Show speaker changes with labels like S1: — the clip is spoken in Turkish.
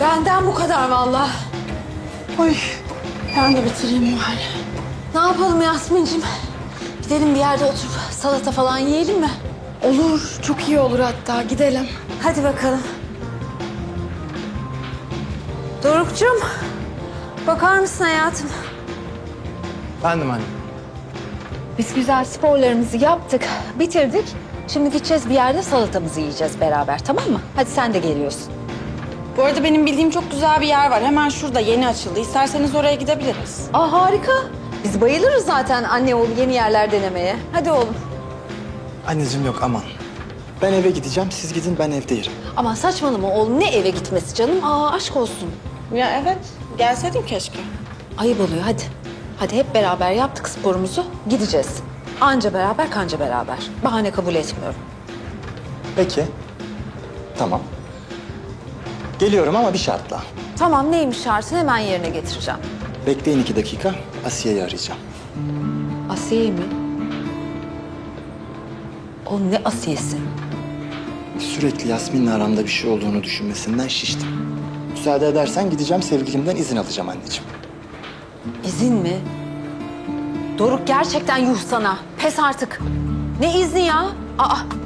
S1: Benden bu kadar vallahi.
S2: Oy, ben de bitireyim bari.
S1: Ne yapalım Yasmin'cim? Gidelim bir yerde oturup salata falan yiyelim mi?
S2: Olur, çok iyi olur hatta. Gidelim.
S1: Hadi bakalım. Doruk'cum, bakar mısın hayatım?
S3: Bendim anne.
S1: Biz güzel sporlarımızı yaptık, bitirdik. Şimdi gideceğiz bir yerde salatamızı yiyeceğiz beraber, tamam mı? Hadi sen de geliyorsun.
S2: Bu arada benim bildiğim çok güzel bir yer var. Hemen şurada yeni açıldı. İsterseniz oraya gidebiliriz.
S1: Aa harika. Biz bayılırız zaten anne oğlu yeni yerler denemeye. Hadi oğlum.
S3: Anneciğim yok aman. Ben eve gideceğim, siz gidin ben evde yerim.
S1: Aman saçmalama oğlum, ne eve gitmesi canım? Aa aşk olsun.
S2: Ya evet, gelseydin keşke.
S1: Ayıp oluyor, hadi. Hadi hep beraber yaptık sporumuzu, gideceğiz. Anca beraber, kanca beraber. Bahane kabul etmiyorum.
S3: Peki. Tamam. Geliyorum ama bir şartla.
S1: Tamam, neymiş şartın, hemen yerine getireceğim.
S3: Bekleyin 2 dakika, Asiye'yi arayacağım.
S1: Asiye mi? O ne Asiye'si?
S3: Sürekli Yasmin'le aramda bir şey olduğunu düşünmesinden şiştim. Müsaade edersen gideceğim, sevgilimden izin alacağım anneciğim.
S1: İzin mi? Doruk gerçekten yuh sana. Pes artık. Ne izni ya? Aa